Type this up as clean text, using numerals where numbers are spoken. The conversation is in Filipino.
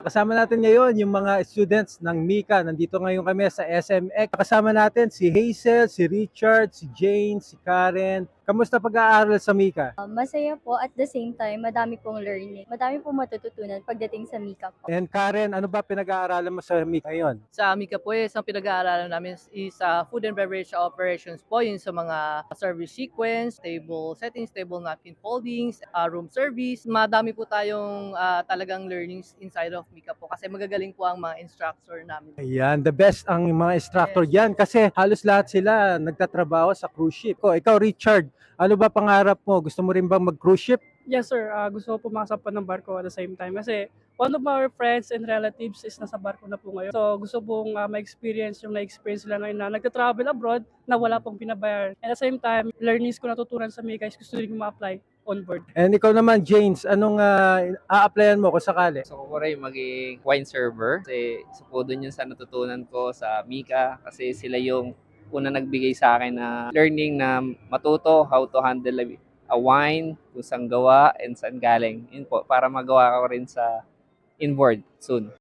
Kasama natin ngayon yung mga students ng Mika. Nandito ngayon kami sa SMX. Kasama natin si Hazel, si Richard, si Jane, si Karen. Kamusta pag-aaral sa Mika? Masaya po at the same time, madami pong learning. Madami pong matututunan pagdating sa Mika po. And Karen, ano ba pinag-aaralan mo sa Mika ngayon? Sa Amica po, ang pinag-aaralan namin is food and beverage operations po, yung sa mga service sequence, table settings, table napkin foldings, room service. Madami po tayong talagang learnings inside of Amica po kasi magagaling po ang mga instructor namin. Ayan, the best ang mga instructor diyan kasi halos lahat sila nagtatrabaho sa cruise ship. Ikaw Richard, ano ba pangarap mo? Gusto mo rin bang mag-cruise ship? Yes, sir. Gusto ko pumasok po ng barko at the same time. Kasi one of our friends and relatives is nasa barko na po ngayon. So gusto pong ma-experience yung na-experience nila ngayon na nagta-travel abroad na wala pong pinabayar. And at the same time, learnings ko natutunan sa Mika is gusto rin ko ma-apply on board. And ikaw naman, James, anong a-applyan mo kung sakali? Gusto ko rin maging wine server kasi isa po dun yun sa natutunan ko sa Mika kasi sila yung una nagbigay sa akin na learning na matuto how to handle a wine, kung saan gawa and saan galing. Yun po, para magawa ko rin sa inboard soon.